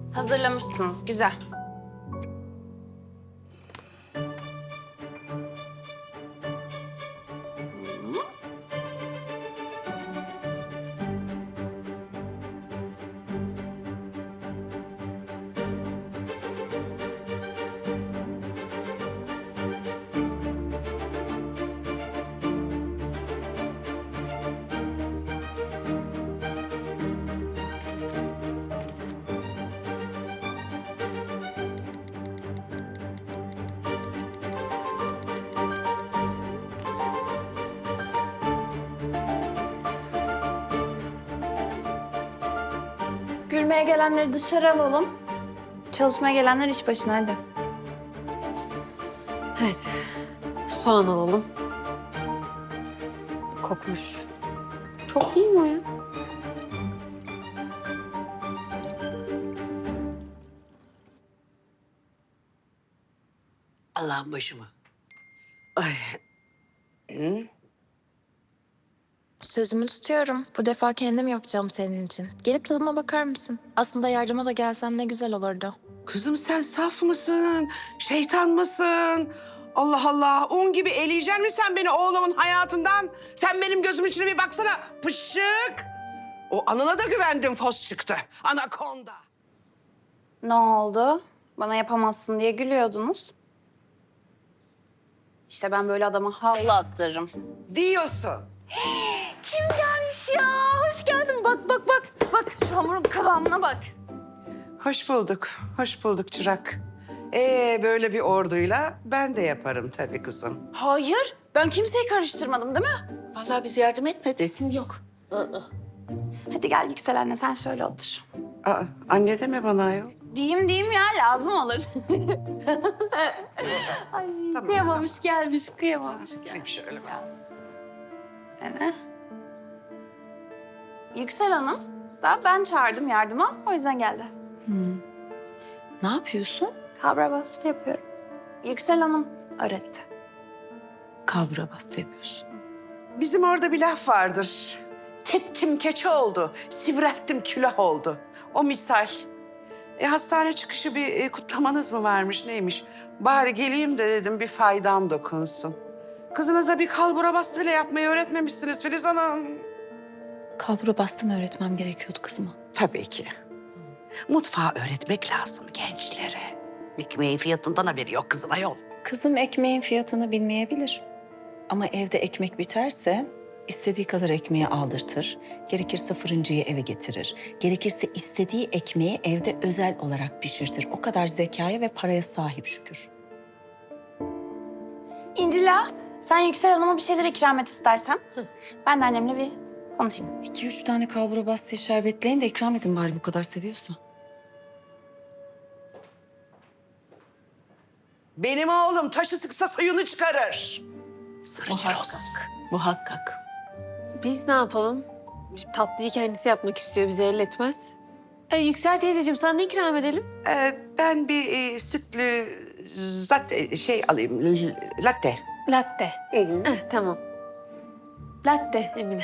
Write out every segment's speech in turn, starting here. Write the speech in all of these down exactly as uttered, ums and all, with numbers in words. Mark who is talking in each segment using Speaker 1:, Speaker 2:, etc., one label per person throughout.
Speaker 1: Hazırlamışsınız, güzel. Gülmeye gelenleri dışarı alalım. Çalışmaya gelenler iş başına, hadi.
Speaker 2: Evet. Soğan alalım. Kokmuş. Çok değil mi o ya?
Speaker 3: Allah'ın başıma. Ay. Hı?
Speaker 4: Sözümü tutuyorum. Bu defa kendim yapacağım senin için. Gelip tadına bakar mısın? Aslında yardıma da gelsen ne güzel olurdu.
Speaker 3: Kızım sen saf mısın? Şeytan mısın? Allah Allah. Un gibi eleyeceksin mi sen beni oğlumun hayatından? Sen benim gözümün içine bir baksana. Pışık. O anına da güvendim, fos çıktı. Anakonda.
Speaker 1: Ne oldu? Bana yapamazsın diye gülüyordunuz. İşte ben böyle adama havlu attırırım.
Speaker 3: Diyorsun.
Speaker 1: Kim gelmiş ya? Hoş geldin. Bak bak bak. Bak şu hamurun kıvamına bak.
Speaker 3: Hoş bulduk. Hoş bulduk çırak. Ee böyle bir orduyla ben de yaparım tabii kızım.
Speaker 1: Hayır. Ben kimseyi karıştırmadım değil mi?
Speaker 3: Vallahi biz yardım etmedik.
Speaker 1: Yok. Hadi gel Yüksel anne sen şöyle otur.
Speaker 3: Aa, anne deme bana ayol.
Speaker 1: Diyeyim diyeyim ya lazım olur. Ay
Speaker 3: Tamam,
Speaker 1: kıyamamış gelmiş kıyamamış
Speaker 3: Gideyim
Speaker 1: gelmiş.
Speaker 3: şöyle.
Speaker 1: Ya. Öyle. Yüksel Hanım da ben çağırdım yardıma o yüzden geldi.
Speaker 2: Ne yapıyorsun?
Speaker 1: Kabra bastı yapıyorum. Yüksel Hanım öğretti.
Speaker 2: Kalbura bastı yapıyorsun.
Speaker 3: Bizim orada bir laf vardır. Teptim keçe oldu, sivrettim külah oldu. O misal. E, hastane çıkışı bir e, kutlamanız mı varmış neymiş? Bari geleyim de dedim bir faydam dokunsun. Kızınıza bir kalbura bastı bile yapmayı öğretmemişsiniz Filiz Hanım.
Speaker 2: Kalbura bastı mı öğretmem gerekiyordu kızıma?
Speaker 3: Tabii ki. Mutfağı öğretmek lazım gençlere. Ekmeğin fiyatından haberi yok kızım ayol.
Speaker 2: Kızım ekmeğin fiyatını bilmeyebilir. Ama evde ekmek biterse istediği kadar ekmeği aldırtır. Gerekirse fırıncıyı eve getirir. Gerekirse istediği ekmeği evde özel olarak pişirtir. O kadar zekaya ve paraya sahip şükür.
Speaker 1: İncila sen Yüksel Hanım'a bir şeyler ikram et istersen. Ben de annemle bir konuşayım.
Speaker 2: İki üç tane kalbura bastı şerbetleyin de ikram edin bari bu kadar seviyorsa.
Speaker 3: Benim oğlum taşı sıksa suyunu çıkarır. Sırıcı
Speaker 2: Muhakkak. Biz ne yapalım? Şimdi tatlıyı kendisi yapmak istiyor, bize elletmez. E, Yüksel teyzeciğim sana ne ikram edelim?
Speaker 3: Ee, ben bir e, sütlü zatte şey alayım, l- latte.
Speaker 1: Latte.
Speaker 3: Hı hı.
Speaker 2: Eh, tamam. Latte Emine.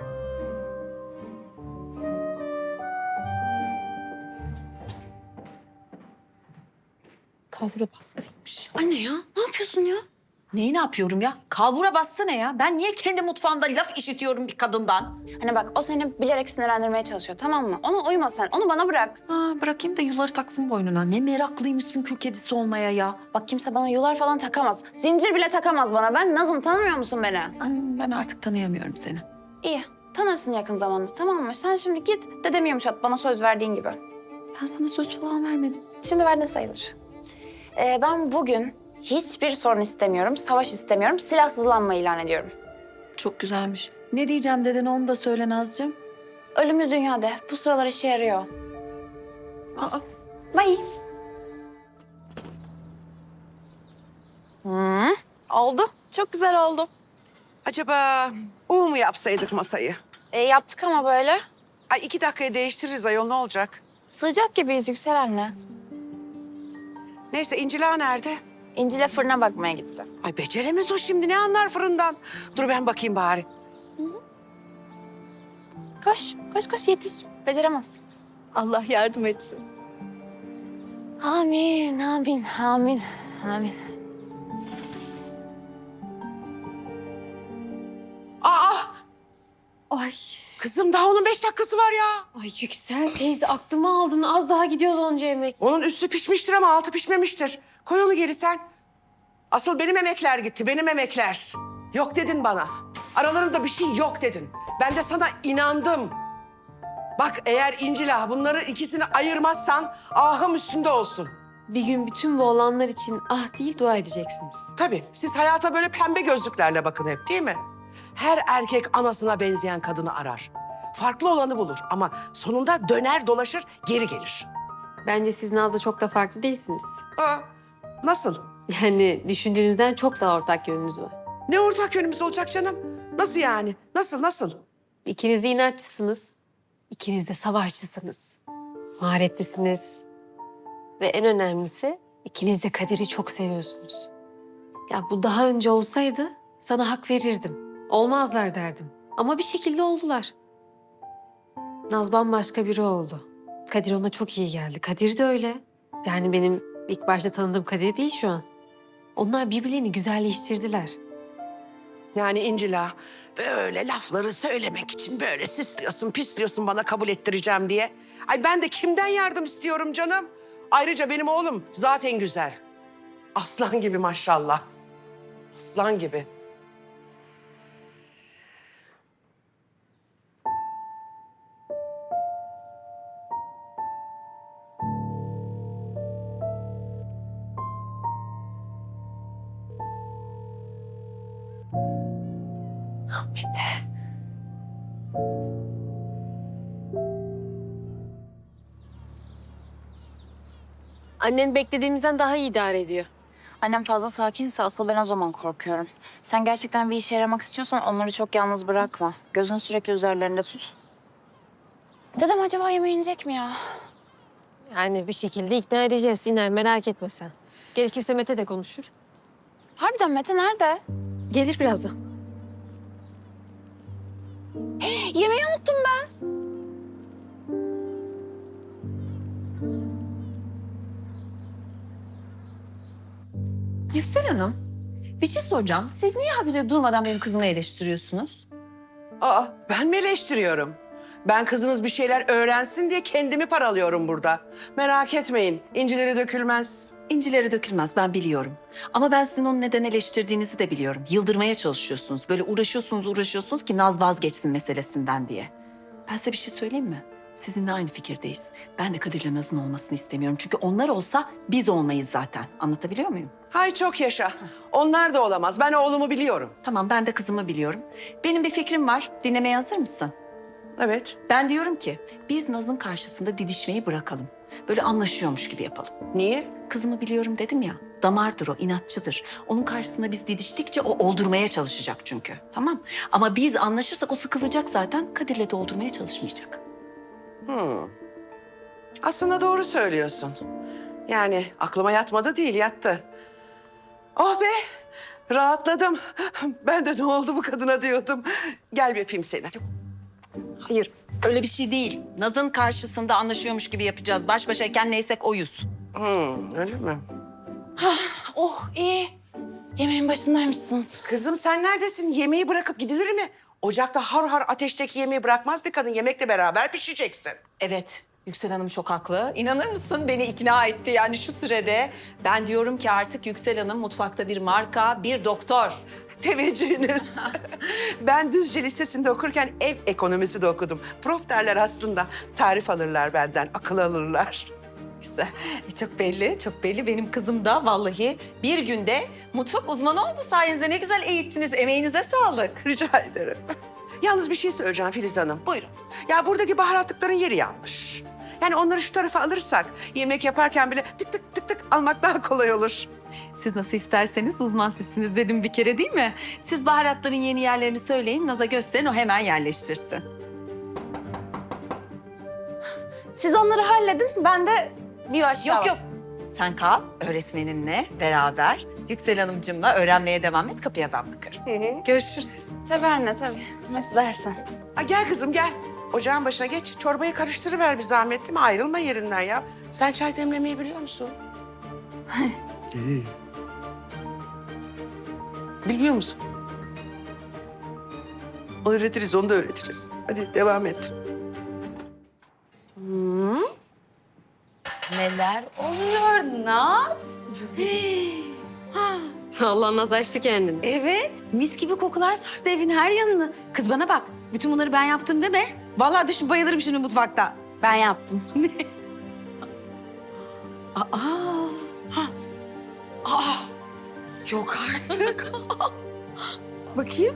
Speaker 2: Kalbura bastıymış.
Speaker 4: Anne ya ne yapıyorsun ya?
Speaker 5: Neyi ne yapıyorum ya? Kalbura bastı ne ya? Ben niye kendi mutfağımda laf işitiyorum bir kadından?
Speaker 1: Hani bak o seni bilerek sinirlendirmeye çalışıyor tamam mı? Ona uyma sen. Onu bana bırak.
Speaker 5: Ha, bırakayım da yuları taksın boynuna. Ne meraklıymışsın kül kedisi olmaya ya.
Speaker 1: Bak kimse bana yular falan takamaz. Zincir bile takamaz bana. Ben Nazım tanımıyor musun beni?
Speaker 5: Ay, ben artık tanıyamıyorum seni.
Speaker 1: İyi. Tanırsın yakın zamanda tamam mı? Sen şimdi git dedemi yumuşat bana söz verdiğin gibi.
Speaker 5: Ben sana söz falan vermedim.
Speaker 1: Şimdi verdin sayılır. Ee, ben bugün hiçbir sorun istemiyorum, savaş istemiyorum, silahsızlanma ilan ediyorum.
Speaker 5: Çok güzelmiş. Ne diyeceğim dedin onu da söyle Nazcığım.
Speaker 1: Ölümlü dünyada bu sıralar işe yarıyor.
Speaker 5: Aa,
Speaker 1: Bye. Hmm, oldu. Çok güzel oldu.
Speaker 3: Acaba U mu yapsaydık masayı?
Speaker 1: E, yaptık ama böyle.
Speaker 3: Ay iki dakikaya değiştiririz ayol ne olacak?
Speaker 1: Sığacak gibiyiz Yüksel anne.
Speaker 3: Neyse İncila nerede?
Speaker 1: İncil'e fırına bakmaya gitti.
Speaker 3: Ay beceremez o şimdi ne anlar fırından? Dur ben bakayım bari.
Speaker 1: Koş, koş koş yetiş. Beceremez.
Speaker 2: Allah yardım etsin.
Speaker 1: Amin, amin, amin, amin.
Speaker 3: Aa,
Speaker 6: Ay,
Speaker 3: kızım daha onun beş dakikası var ya.
Speaker 6: ay Yüksel teyze aklımı aldın. Az daha gidiyordu onca yemek.
Speaker 3: Onun üstü pişmiştir ama altı pişmemiştir. Koy onu geri sen. Asıl benim emekler gitti, benim emekler. Yok dedin bana. Aralarında bir şey yok dedin. Ben de sana inandım. Bak eğer İncil Ağa bunları ikisini ayırmazsan ahım üstünde olsun.
Speaker 6: Bir gün bütün bu olanlar için ah değil dua edeceksiniz.
Speaker 3: Tabii siz hayata böyle pembe gözlüklerle bakın hep değil mi? Her erkek anasına benzeyen kadını arar. Farklı olanı bulur ama sonunda döner dolaşır geri gelir.
Speaker 6: Bence siz Naz'la çok da farklı değilsiniz.
Speaker 3: Aa, nasıl?
Speaker 6: Yani düşündüğünüzden çok daha ortak yönünüz var.
Speaker 3: Ne ortak yönümüz olacak canım? Nasıl yani? Nasıl nasıl?
Speaker 6: İkiniz de inatçısınız. İkiniz de savaşçısınız. Maharetlisiniz. Ve en önemlisi ikiniz de Kadir'i çok seviyorsunuz. Ya bu daha önce olsaydı sana hak verirdim. Olmazlar derdim. Ama bir şekilde oldular. Naz bambaşka biri oldu. Kadir ona çok iyi geldi. Kadir de öyle. Yani benim ilk başta tanıdığım Kadir değil şu an. Onlar birbirlerini güzelleştirdiler.
Speaker 3: Yani İncil Ağa böyle lafları söylemek için böyle süslüyorsun, pisliyorsun bana kabul ettireceğim diye. Ay ben de kimden yardım istiyorum canım? Ayrıca benim oğlum zaten güzel. Aslan gibi maşallah. Aslan gibi.
Speaker 6: Mete. Annen beklediğimizden daha iyi idare ediyor.
Speaker 1: Annem fazla sakinse asıl ben o zaman korkuyorum. Sen gerçekten bir işe yaramak istiyorsan onları çok yalnız bırakma. Gözünü sürekli üzerlerinde tut. Dedem acaba yemeğe inecek mi ya?
Speaker 6: Yani bir şekilde ikna edeceğiz. İner merak etme sen. Gerekirse Mete de konuşur.
Speaker 1: Harbiden Mete nerede?
Speaker 6: Gelir birazdan.
Speaker 1: Yemeği unuttum ben.
Speaker 2: Yüksel Hanım, bir şey soracağım. Siz niye habire durmadan benim kızımı eleştiriyorsunuz?
Speaker 3: Aa ben mi eleştiriyorum? Ben kızınız bir şeyler öğrensin diye kendimi paralıyorum burada. Merak etmeyin, incileri dökülmez.
Speaker 2: İncileri dökülmez, ben biliyorum. Ama ben sizin onu neden eleştirdiğinizi de biliyorum. Yıldırmaya çalışıyorsunuz. Böyle uğraşıyorsunuz, uğraşıyorsunuz ki Naz vazgeçsin meselesinden diye. Ben size bir şey söyleyeyim mi? Sizinle aynı fikirdeyiz. Ben de Kadir'le Naz'ın olmasını istemiyorum. Çünkü onlar olsa biz olmayız zaten. Anlatabiliyor muyum?
Speaker 3: Hay çok yaşa. Onlar da olamaz. Ben oğlumu biliyorum.
Speaker 2: Tamam, ben de kızımı biliyorum. Benim bir fikrim var. Dinlemeye hazır mısın?
Speaker 3: Evet.
Speaker 2: Ben diyorum ki biz Naz'ın karşısında didişmeyi bırakalım. Böyle anlaşıyormuş gibi yapalım.
Speaker 3: Niye?
Speaker 2: Kızımı biliyorum dedim ya. Damardır o, inatçıdır. Onun karşısında biz didiştikçe o oldurmaya çalışacak çünkü. Tamam. Ama biz anlaşırsak o sıkılacak zaten. Kadir'le de oldurmaya çalışmayacak.
Speaker 3: Hmm. Aslında doğru söylüyorsun. Yani aklıma yatmadı değil, yattı. Oh be, rahatladım. Ben de ne oldu bu kadına diyordum. Gel bir öpeyim seni.
Speaker 2: Hayır, öyle bir şey değil. Naz'ın karşısında anlaşıyormuş gibi yapacağız. Baş başayken neysek oyuz.
Speaker 3: Hmm, öyle mi?
Speaker 1: Oh iyi. Yemeğin başındaymışsınız.
Speaker 3: Kızım sen neredesin? Yemeği bırakıp gidilir mi? Ocakta har har ateşteki yemeği bırakmaz bir kadın. Yemekle beraber pişeceksin.
Speaker 2: Evet, Yüksel Hanım çok haklı. İnanır mısın? Beni ikna etti yani şu sürede. Ben diyorum ki artık Yüksel Hanım mutfakta bir marka, bir doktor.
Speaker 3: Teveccühünüz. Ben Düzce Lisesi'nde okurken ev ekonomisi de okudum. Prof derler aslında. Tarif alırlar benden, akıl alırlar.
Speaker 2: Güzel. E, çok belli, çok belli. Benim kızım da vallahi bir günde mutfak uzmanı oldu sayenizde. Ne güzel eğittiniz. Emeğinize sağlık.
Speaker 3: Rica ederim. Yalnız bir şey söyleyeceğim Filiz Hanım.
Speaker 2: Buyurun.
Speaker 3: Ya buradaki baharatlıkların yeri yanlış. Yani onları şu tarafa alırsak yemek yaparken bile tık tık tık tık almak daha kolay olur.
Speaker 2: Siz nasıl isterseniz uzman sizsiniz dedim bir kere değil mi? Siz baharatların yeni yerlerini söyleyin, Naz'a gösterin, o hemen yerleştirsin.
Speaker 1: Siz onları halledin. Ben de bir aşağı
Speaker 2: Yok yok. Sen kal öğretmeninle beraber Yüksel Hanımcığımla öğrenmeye devam et. Kapıya ben bakarım.
Speaker 3: Hı hı.
Speaker 2: Görüşürüz.
Speaker 1: Tabii anne tabii. Nasıl dersen.
Speaker 3: Ha, gel kızım gel. ocağın başına geç. Çorbayı karıştırıver bir zahmet değil mi? Ayrılma yerinden ya. Sen çay demlemeyi biliyor musun? İyi. Bilmiyor musun? Onu öğretiriz, onu da öğretiriz. Hadi devam et.
Speaker 7: Neler oluyor Naz?
Speaker 6: Allah naz açtı kendini.
Speaker 7: Evet, mis gibi kokular sardı evin her yanını. Kız bana bak, bütün bunları ben yaptım deme. Vallahi düşün bayılırım şimdi mutfakta.
Speaker 1: Ben yaptım.
Speaker 7: Aa, ha. Aa, yok artık. Bakayım.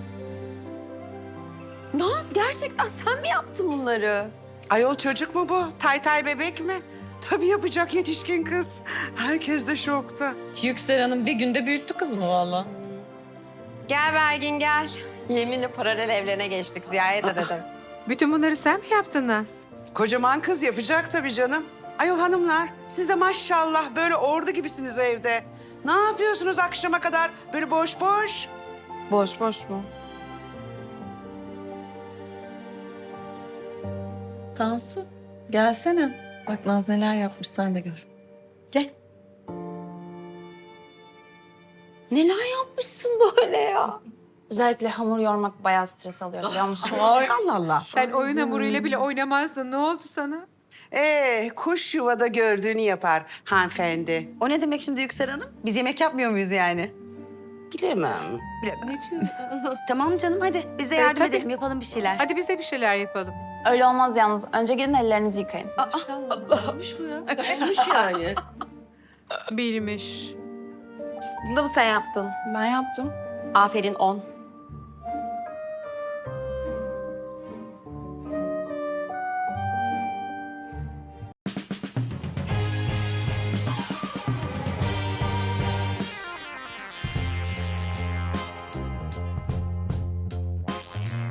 Speaker 7: Naz gerçekten sen mi yaptın bunları?
Speaker 3: Ayol çocuk mu bu? Tay tay bebek mi? Tabii yapacak yetişkin kız. Herkes de şokta.
Speaker 8: Yüksel Hanım bir günde büyüttü kız mı valla?
Speaker 9: Gel Belgin gel. Yeminle paralel evlerine geçtik. Ziyaret edelim.
Speaker 10: Bütün bunları sen mi yaptın Naz?
Speaker 3: Kocaman kız yapacak tabii canım. Ayol hanımlar, siz de maşallah böyle ordu gibisiniz evde. Ne yapıyorsunuz akşama kadar böyle boş boş?
Speaker 9: Boş boş mu?
Speaker 2: Tansu, gelsene. Bak Naz neler yapmış sen de gör. Gel.
Speaker 7: Neler yapmışsın böyle ya?
Speaker 1: Özellikle hamur yoğurmak bayağı stres alıyor biliyor musun?
Speaker 7: Allah Allah.
Speaker 10: Sen oyun hamuruyla bile oynamazdın. Ne oldu sana?
Speaker 3: Ee, kuş yuvada gördüğünü yapar hanımefendi.
Speaker 7: O ne demek şimdi Yüksel Hanım? Biz yemek yapmıyor muyuz yani?
Speaker 3: Bilemem.
Speaker 7: Tamam canım hadi biz de
Speaker 10: Ee,
Speaker 7: yardım
Speaker 10: tabii.
Speaker 7: edelim yapalım bir şeyler.
Speaker 10: Hadi biz de bir şeyler yapalım.
Speaker 1: Öyle olmaz yalnız. Önce gidin ellerinizi yıkayın.
Speaker 10: Bilmiş.
Speaker 9: Bunu da mı sen yaptın?
Speaker 1: Ben yaptım.
Speaker 9: Aferin on.